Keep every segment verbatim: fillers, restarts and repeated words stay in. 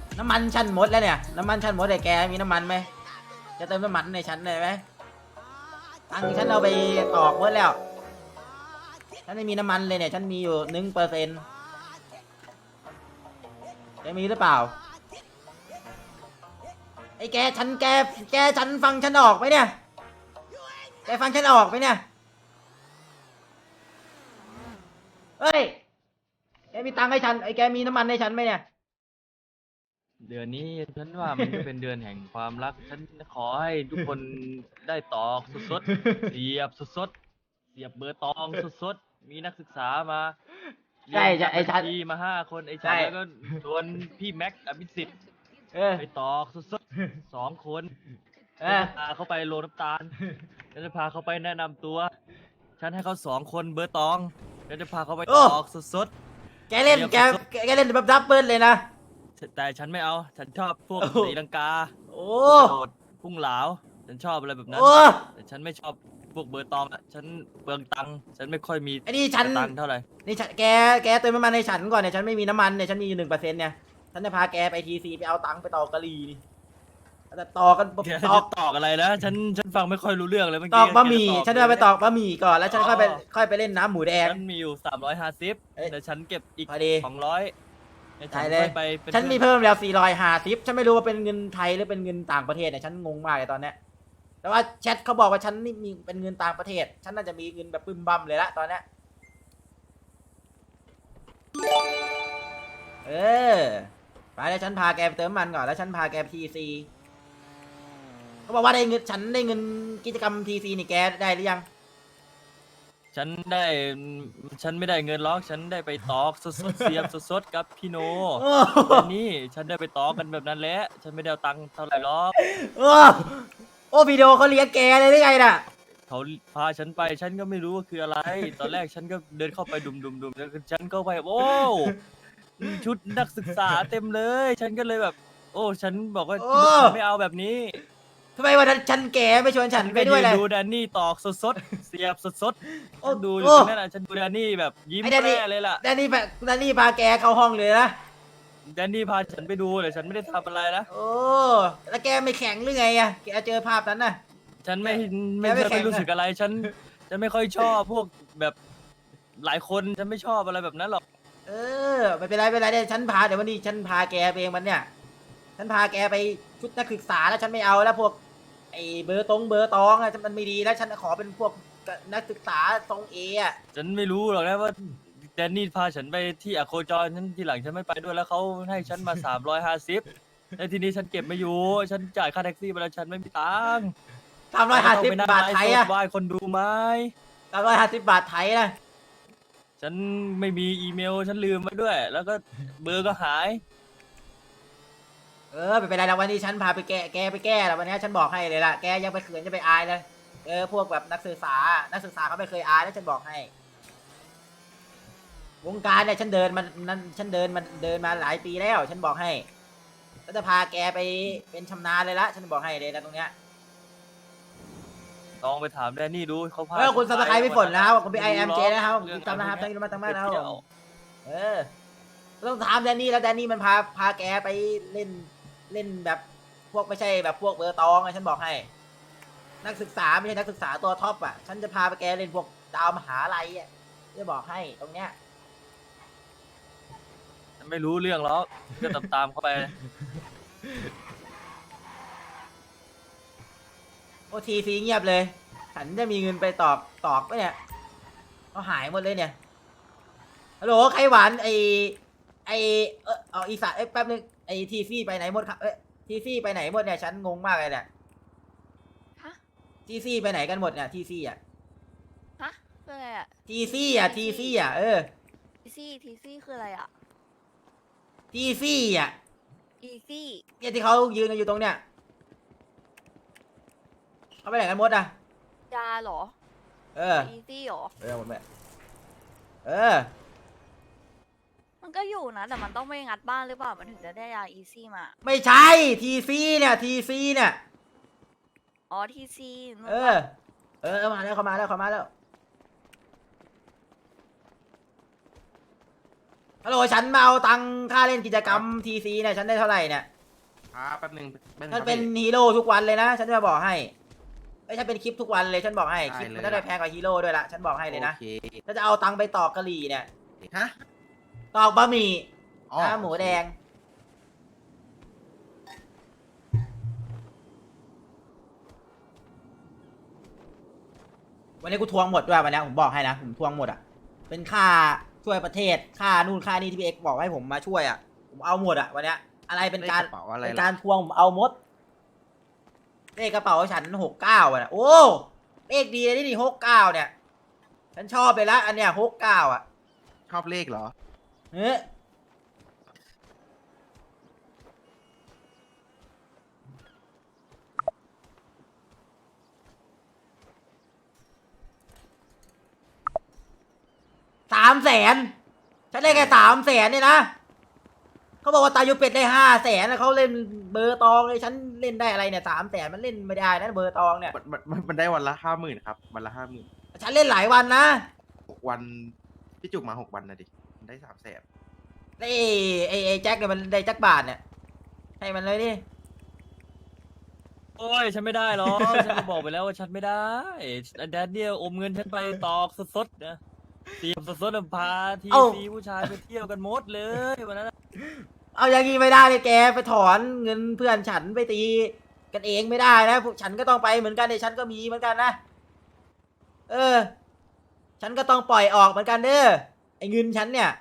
น้ำมันฉันหมดแล้วเนี่ยน้ำมันฉันหมดแต่แกมีน้ำมันไหมจะเติมน้ำมันในฉันเลยไหมตังค์ฉันเอาไปตอกหมดแล้วฉันไม่มีน้ำมันเลยเนี่ยฉันมีอยู่หนึ่งเปอร์เซ็นต์แกมีหรือเปล่าไอ้แกฉันแกแกฉันฟังฉันออกไหมเนี่ยแกฟังฉันออกไหมเนี่ยเฮ้ยแกมีตังค์ให้ฉันไอ้แกมีน้ำมันให้ฉันไหมเนี่ยเดือนนี้ฉันว่ามันก็เป็นเดือนแห่งความรักฉันขอให้ทุกคนได้ตอกสดๆเสียบสดๆเสียบเบอร์ตองสดๆมีนักศึกษามาเรีใช่ยนใช่จับไอ้บัญฉันชีมาห้าคนไอ้ใช่ฉันแล้วก็ชวนพี่แม็กซ์อภิสิทธิ์เออไปตอกสดๆสองคนเอฉันอจะพาเขาไปโรงน้ำตาลฉันจะพาเขาไปแนะนำตัวฉันให้เขาสองคนเบอร์ตองฉันจะพาเขาไปโอ้ตอกสดแกเล่นแกแกแกเล่นแบบดับเบิลเลยนะๆแต่ฉันไม่เอาฉันชอบพวกโอ้โหตีลังกาโอ้กระโดดพุ่งเหลาฉันชอบอะไรแบบนั้นโอ้แต่ฉันไม่ชอบพวกเบอร์ตองอ่ะฉันเปลืองตังค์ฉันไม่ค่อยมีไอ้นี่ฉันตังค์เท่าไหร่นี่ฉันแกแกเติมน้ำมันในฉันก่อนเนี่ยฉันไม่มีน้ำมันเนี่ยฉันมีอยู่หนึ่งเปอร์เซ็นต์เนี่ยฉันจะพาแกไปทีซีไปเอาตังค์ไปต่อกะหรี่นี่แต่ต่อกันแกตจะอกตอกอะไรนะฉันฉันฟังไม่ค่อยรู้เรื่องเลยเมื่อตกี้อกบะหมี่แกฉันจะไปตอกบะหมี่ก่อนแล้วฉันค่อยไปอ๋อค่อยไปเล่นน้ำหมูแดงฉันมีอยู่สามร้อยห้าสิบเอ้ยแต่ฉันเก็บอีกพอดีสองร้อยฉันได้เลยค่อยไปเป็นฉันมีเพื่อนเพิ่มแล้วสี่ร้อยห้าสิบฉันไม่รู้ว่าเป็นเงินไทยหรือเป็นเงินต่างประเทศเนี่ยฉันงงมากเลยตอนเนี้ยแต่ว่าแชทเขาบอกว่าฉันนี่มีเป็นเงินต่างประเทศ ฉันน่าจะมีเงินแบบปึ้มบั่มเลยละตอนเนี้ยเออไปแล้วฉันพาแกไปเติมน้ำมันก่อนแล้วฉันพาแกไปทีซีเขาบอกว่าได้เงินฉันได้เงินกิจกรรมทีซีนี่แกได้หรือยังฉันได้ฉันไม่ได้เงินหรอกฉันได้ไปตอกสดๆเสียบสดๆกับพี่โนโอ้แต่นี่ฉันได้ไปตอกกันแบบนั้นแหละฉันไม่ได้เอาตังค์เท่าไหร่หรอกโอ้โอ้วิดีโอเขาเลี้ยงแกเลยหรือไงน่ะเขาพาฉันไปฉันก็ไม่รู้ว่าคืออะไร ตอนแรกฉันก็เดินเข้าไปดุมดุมดุมแล้วฉันก็ไปโอ้ชุดนักศึกษาเต็มเลย ฉันก็เลยแบบ โอ้ฉันบอกว่าโอ้ฉันไม่เอาแบบนี้ทำไมวันนั้นฉันแกไม่ชวนฉันไปด้วยเลยฉันก็นดูแดนนี่ตอกสดๆเสียบสดโอ้ๆฉันดูอยู่โอ้ตรงนั้นน่ะฉันดูแดนนี่แบบยิ้มไอ้แดนนี่แย่เลยล่ะแดนนี่แบบแดนนี่พาแกเข้าห้องเลยนะแดนนี่พาฉันไปดูแต่ฉันไม่ได้ทำอะไรนะโอ้แล้วแกไม่แข็งหรือไงอะแกเจอภาพนั้นน่ะฉันไม่ไม่แกไม่ฉันแข็ไม่งรู้สึกอะไรฉันฉันไม่ค่อยชอบพวกแบบหลายคนฉันไม่ชอบอะไรแบบนั้นหรอกเออไม่เป็นไรไม่เป็นไรเดี๋ยวฉันพาเดี๋ยววันนี้ฉันพาแกไปเองมันเนี่ย ฉันพาแกไปชุดนักศึกษาแล้วฉันไม่เอาแล้วพวกไอ้เบอร์ตรงเบอร์ตองอะมันไม่ดีแล้วฉันขอเป็นพวกนักศึกษาทรงเออะฉันไม่รู้หรอกนะว่าแดนนี่พาฉันไปที่อโคจรฉันทีหลังฉันไม่ไปด้วยแล้วเขาให้ฉันมาสามร้อยห้าสิบแล้วทีนี้ฉันเก็บไม่อยู่ ฉันจ่ายค่าแท็กซี่ไปแล้วฉันไม่มีตังค์สามร้อยห้าสิบต้องไปนั่งบาทไลฟ์ไทยสอะดไหว้คนดูไหมสามร้อยห้าสิบบาทไทยนะฉันไม่มีอีเมลฉันลืมไว้ด้วย แล้วก็เบอร์ก็หายเออไม่เป็นไรแล้ววันนี้ฉันพาไปแก้แกไปแก้แล้ววันนี้ฉันบอกให้เลยล่ะแกยังไปเขินจะไปอายเลยเออพวกแบบนักศึกษา นักศึกษาเขาไม่เคยอายแล้วฉันบอกให้ วงการเนี่ยฉันเดินมันนั้นฉันเดินมันเดินมาหลายปีแล้ว ฉันบอกให้ก็จะพาแกไปเป็นชำนาญเลยละฉันบอกให้เลยนะตรงเนี้ยลองไปถามแดนนี่ดูเขาพาเออคุณฉัสับปสไครต์ไม่ฝนนะครับคุณเป็นไอม่แอมรู้เจหรกนะครับผมเรื่องจำนะครับอะตั้ไรงนี้มาตั้งมากนะครับเที่ผยวมเออต้องถามแดนนี่แล้วแดนนี่มันพาพาแกไปเล่นเล่นแบบพวกไม่ใช่แบบพวกเบอร์ตองไงฉันบอกให้ นักศึกษาไม่ใช่นักศึกษาตัวท็อปอ่ะฉันจะพาไปแกเล่นพวกดาวมหาลัยอ่ะจะบอกให้ตรงเนี้ยฉันไม่รู้เรื่องหรอกก็ตามตามๆเข้าไปโอทีซีเงียบเลย ฉันจะมีเงินไปตอกตอกปะเนี่ยเขาหายหมดเลยเนี่ยฮัลโหลใครหวานไอไอเออเอาอีสานเอ้ยแป๊บนึงไอทีซีไปไหนหมดครับเอ้ยทีซีไปไหนหมดเนี่ยฉันงงมากเลยเนี่ยฮะทีซีไปไหนกันหมดเนี่ยทีซีอ่ะฮะคืออะไรอะทีซีอ่ะทีซีอ่ะเออทีซี่ทีซี่คืออะไรอะทีซีอ่ะอีซี่เนี่ยที่เขายืนกันอยู่ตรงเนี้ยเขาไปไหนกันหมดอ่ะยาเหรอเอออีซี่เหรอเออหมดไปเออมันก็อยู่นะ แต่มันต้องไม่งัดบ้านหรือเปล่า มันถึงจะได้ยาอีซี่มาไม่ใช่ทีซีเนี่ยทีซีเนี่ยอ๋อทีซีนู่นเอปะอ เออมาแล้วเขามาแล้วเขามาแล้วฮัลโหลฉันมาเอาตังค่าเล่นกิจกรรมทีซีเนี่ยฉันได้เท่าไหร่เนี่ยครับแป๊บนึงแป๊บนึงฉันครับเป็นพี่ฮีโร่ทุกวันเลยนะ ฉันจะบอกให้ไอ้ยฉันเป็นคลิปทุกวันเลยฉันบอกให้ได้คลิปมันเลยได้แพงกว่าฮีโร่ด้วยละฉันบอกให้เลยนะโอเคถ้าจะเอาตังค์ไปตอกกะหรี่เนี่ยฮะตอกบะหมี่อ๋อน้ำหมูแดงวันนี้กูทวงหมดด้วยวันนี้ผมบอกให้นะผมทวงหมดอ่ะเป็นค่าช่วยประเทศค่านู่นค่านี่ที่พี่เอกบอกให้ผมมาช่วยอ่ะผมเอาหมดอ่ะวันนี้อะไรเป็นการเลขกระเป๋าอะไรเป็นล่ะการทวงผมเอาหมดเลขกระเป๋าฉันหกเก้าอ่ะโอ้เลขดีเลยนี่หกเก้าเนี่ย ฉันชอบเลยละอันเนี้ยหกเก้าอ่ะชอบเลขเหรอเฮ้ยสามแสนฉันได้แค่สามแสนเนี่ยนะเขาบอกว่าตายุเป็ดได้ห้าแสนแล้วเขาเล่นเบอร์ตองเลยฉันเล่นได้อะไรเนี่ยสามแสนมันเล่นไม่ได้นะเบอร์ตองเนี่ยมันมันมันมันได้วันละห้าหมื่นครับ วันละห้าหมื่นฉันเล่นหลายวันนะหกวันพี่จุกมาหกวันนะดิมันได้สามแสนไอ้ไอ้ไอ้แจ็คเนี่ยมันได้แจ็คบาทเนี่ยให้มันเลยดิโอ้ยฉันไม่ได้หรอก ฉันก็บอกไปแล้วว่าฉันไม่ได้แดดเดียวอมเงินฉันไปตอกสดๆนะเตรียมสดๆพาทีซีผู้ชายไปเที่ยวกันหมดเลยวันนั้นเอาอย่างงี้ไม่ได้เลยแกไปถอนเงินเพื่อนฉันไปตีกันเองไม่ได้นะพวกฉันก็ต้องไปเหมือนกันในฉันก็มีเหมือนกันนะเออ ฉันก็ต้องปล่อยออกเหมือนกันเด้อไอ้เงินฉันเนี่ย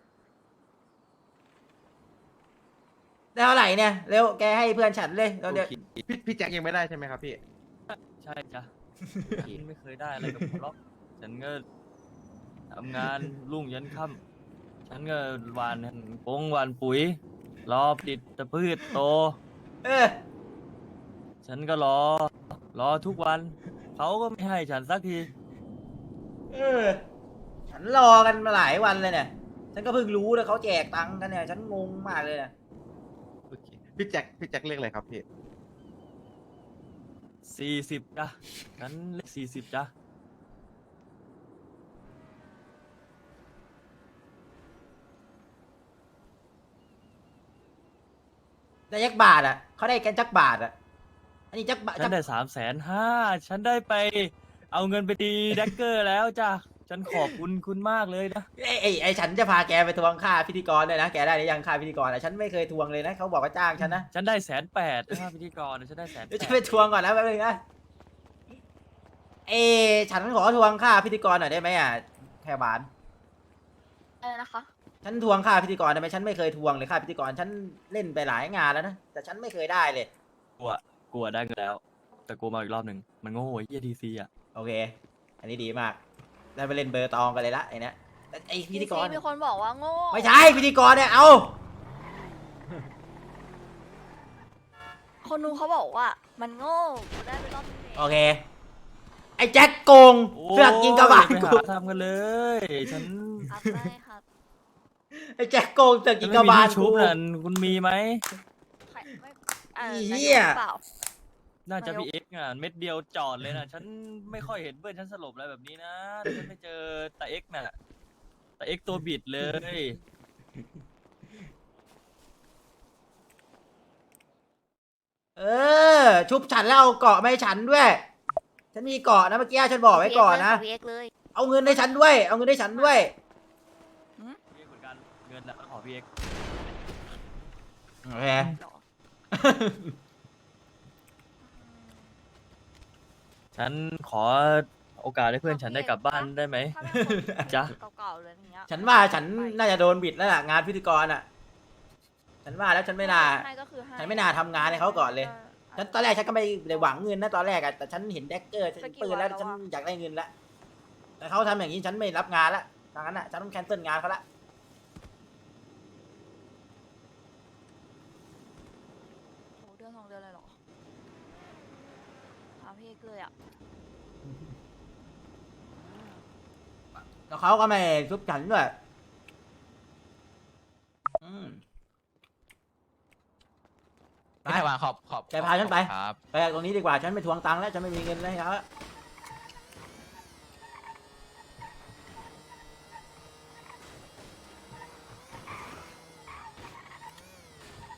ได้เท่าไหร่เนี่ยเร็วแกให้เพื่อนฉันเลยเราเดี๋ยวโอเคพี่พี่แจ็คยังไม่ได้ใช่ไหมครับพี่ใช่จ้ะฉันไม่เคยได้อะไรกับคุณหรอกฉันก็ทำงานรุ่งยันค่ำฉันก็หวานปงหวานปุ๋ย รอติดตะพืชโตเออฉันก็รอ รอทุกวัน เขาก็ไม่ให้ฉันสักทีเออ ฉันรอกันมาหลายวันเลยเนี่ย ฉันก็เพิ่งรู้เลยเขาแจกตังค์กันเนี่ย ฉันงงมากเลยเนี่ยโอเคพี่แจ็คพี่แจ็คเลขอะไรครับพี่สี่สิบจ้ะฉันเลขสี่สิบจ้ะได้จักบาทอ่ะเขาได้กันจักบาทอ่ะ อันนี้จักบาทฉันได้สามแสนห้า ฉันได้ไป เอาเงินไปตีแดกเกอร์แล้วจ้ะ ฉันขอบคุณคุณมากเลยนะไอ้ไอ้ไอ้ฉันจะพาแกไปทวงค่าพิธีกรด้วยนะ แกได้หรือยังค่าพิธีกรอ่ะ ฉันไม่เคยทวงเลยนะ เขาบอกว่าจ้างฉันนะฉันได้แสนแปดค่าพิธีกรฉันได้แสนแปเดี๋ยวดจะไปทวงก่อนนะแป๊บนึงนะ เอ ฉันขอทวงค่าพิธีกรหน่อยได้ไหมอ่ะแค่บานอะไรนะคะฉันทวงค่าพิธีกรได้ไหมฉันไม่เคยทวงเลยค่าพิธีกร ฉันเล่นไปหลายงานแล้วนะ แต่ฉันไม่เคยได้เลยกลัวกลัวได้เงินแล้ว แต่กลัวมาอีกรอบหนึ่ง มันโง่ไอ้เหี้ยทีซีอ่ะโอเค อันนี้ดีมาก ได้ไปเล่นเบอร์ตองกันเลยละไอ้เนี้ยแต่ไอ้พิธีกรมีคนบอกว่าโง่ไม่ใช่พิธีกรเนี่ย เอาคนนู้นเขาบอกว่า มันโง่กูได้ไปรอบนึงเองโอเค ไอ้แจ็คโกงเสือกยิงกระบาลไปกูหาทำกันเลย ฉันครับได้ครับไอ้แจ็คโกงเสือกฉัยินงไม่กระมีบาลที่ชุกูบนั่นคุณมีไหมใครไม่เอ่ออีนายเหี้กยหรือเปล่าน่าจะนายกพี่เอ็กซ์อ่ะเม็ดเดียวจอดเลยนะฉันไม่ค่อยเห็นเพื่อนฉันสลบอะไรแบบนี้นะแต่ฉันไปเจอตาเอ็กซ์น่ะตาเอ็กซ์ตัวบิดเลยเออ ชุบฉันแล้วเอาเกาะมาให้ฉันด้วย ฉันมีเกาะนะเมื่อกี้ฉันบอกไว้ก่อนนะพีเอ็กซ์เลยเอาเงินให้ฉันด้วย เอาเงินให้ฉันด้วยพี่เอ็กซ์เหมือนกันเงินนะขอพี่เอ็กซ์โอเคหรอฉันขอโอกาสให้เพื่อนฉันได้กลับบ้านได้ไหมถ้าเป็นคนจ๊ะเก่าๆเลยอย่างเงี้ยฉันว่าฉันน่าจะโดนบิดแล้วล่ะงานพิธีกรอ่ะ ฉันว่าแล้วฉันไม่น่าให้ก็คือให้ฉันไม่น่าทำงานให้เขาก่อนเลย ฉันตอนแรกฉันก็ไม่ได้หวังเงินนะตอนแรกอะแต่ฉันเห็นแดกเกอร์ฉันปืนแล้วฉันอยากได้เงินละแต่เขาทำอย่างนี้ฉันไม่รับงานละดังนั้นอะฉันต้องแคนเซิลงานเขาละโหเดือนสองเดือนเลยเหรอหาพี่เอกเลยอ่ะแล้วเขาก็ไม่ชุบฉันด้วยอืม ไปพี่ไทวานขอบขอบแกพาฉันไปครับไปตรงนี้ดีกว่าฉันไม่ทวงตังค์แล้วฉันไม่มีเงินแล้วครับ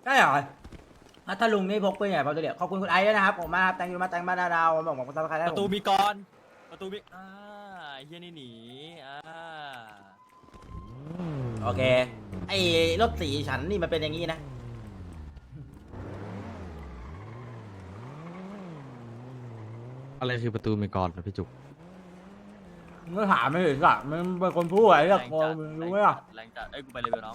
ได้เหรอพัทลุงนี่พกปืนใหญ่พอตัวเดียวขอบคุณคุณไอซ์ด้วยนะครับผมมากครับแตงยูมาแตงบ้านดาวบอกบอกคุณทักทายได้ประตูผมมีกรประตูมีอ่าเฮียนี่หนีอ่าโอเคไอ้รถสีฉันนี่มันเป็นอย่างนี้นะอะไรคือประตูเมกรนะพี่จุกมึงก็ถามไม่ถึงอ่ะมึงเป็นคนพูดอะไรแรกับงกูจัดมึงแรรู้งไหมจัอ่ะดแรงจัดเอ้ยกูไปเลยเบลน้อง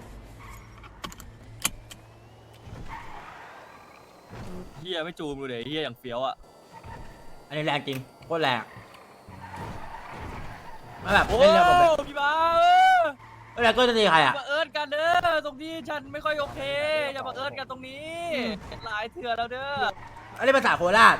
เฮียไม่จูมกูเลยเฮียอย่างเฟี้ยวอ่ะอันนี้แรงจริงโคตรแรงมาแบบโอ้เล่นกับผมแบบพี่บ้าเออเวลาก็จะตีใครอ่ะมาเอิญกันเด้อตรงที่ฉันไม่ค่อยโอเคอย่ามาเอิญกันตรงนี้หลายเถื่อแล้วเด้ออันนี้ภาษาโคราช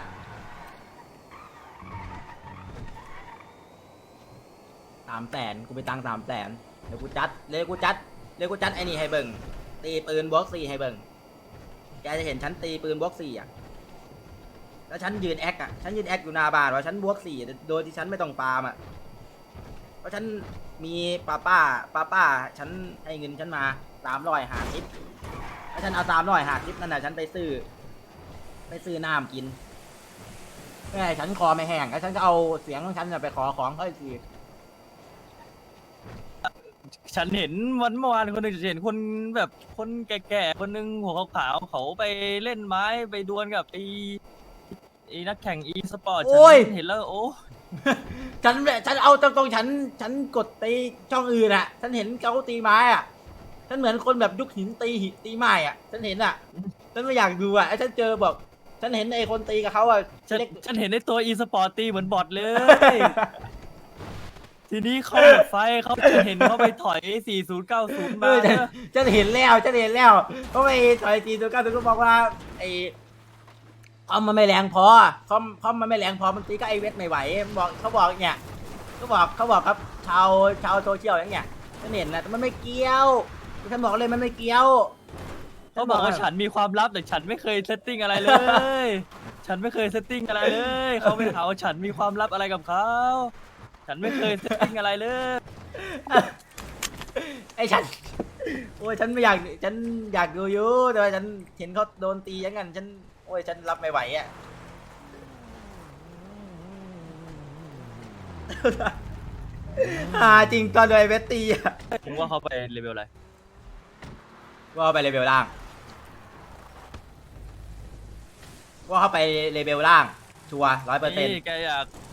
สามแสนกูไปตังสามแสนเดี๋ยวกูจัดเดี๋ยวกูจัดเดี๋ยวกูจัดไอ้นี่ให้เบิ่งตีปืนบวกสี่ให้เบิ่งแกจะเห็นฉันตีปืนบวกสี่อ่ะแล้วฉันยืนแอคอ่ะฉันยืนแอคอยู่หน้าบ้านว่าฉันบวกสี่โดยที่ฉันไม่ต้องปาล์มอ่ะเพราะฉันมีป้าป้าป้าป้าฉันให้เงินฉันมาสามร้อยหาทิปแล้วฉันเอาสามร้อยหาทิปนั่นน่ะฉันไปซื้อไปซื้อน้ำกินแม่ฉันคอไม่แห้งแล้วฉันก็เอาเสียงของฉันน่ะไปขอของเขาอีกทีฉันเห็นวันเมื่อวานคนหนึ่งเห็นคนแบบคนแก่ๆคนหนึงหัวขาวๆเขาไปเล่นไม้ไปดวลกับไอ้ไอ้นักแข่งอีสปอร์ตโอ้ยฉันเห็นแล้วโอ้ฉันฉันเอาตรงๆฉันฉันกดตีช่องอื่นอ่ะ ฉันเห็นเขาตีไม้อ่ะ ฉันเหมือนคนแบบยุคหินตีหินตีไม้อ่ะ ฉันเห็นอ่ะ ฉันไม่อยากดูอ่ะไอ้ฉันเจอบอกฉันเห็นไอ้คนตีกับเขาอ่ะฉันเล็กฉันเห็นในตัวอีสปอร์ตตีเหมือนบอทเลย ทีนี้เขาหมดไฟเขาจะเห็นเขาไปถอย สี่ศูนย์เก้าศูนย์เอมาอฉันเนอะฉันเห็นแล้วฉันเห็นแล้วเพราะไอ้ถอยตีตัวก้าตัวก็บอกว่าไอ้คอมมันไม่แรงพอคอมคอมมันไม่แรงพอมันตีก็ไอเวทไม่ไหวมันบอกเขาบอกเนี่ยเขาบอกเขาบอกครับชาวชาวโซเชียลอย่างเงี้ยฉันเห็นนะแต่มันไม่เกี่ยวฉันบอกเลยมันไม่เกี่ยวเขาบอกว่าฉันมีความลับแต่ฉันไม่เคยเซตติ้งอะไรเลย ฉันไม่เคยเซตติ้งอะไรเลย เขาไปหาว่าฉันมีความลับอะไรกับเขา ฉันไม่เคยเซตติ้งอะไรเลยไอ้ฉันโอ้ยฉันไม่อยากฉันอยากดูอยู่แต่ว่าฉันเห็นเขาโดนตีอย่างนั้นฉันโอ้ยฉันรับไม่ไหวอ่ะ หาจริงตอนโดยเวทตีอ่ะผมว่าเขาไปเลเวลอะไรว่าไปเลเวลล่างว่าเขาไปเลเวลล่างชัวร้อยเปอร์เซ็นต์นี่แกอยาก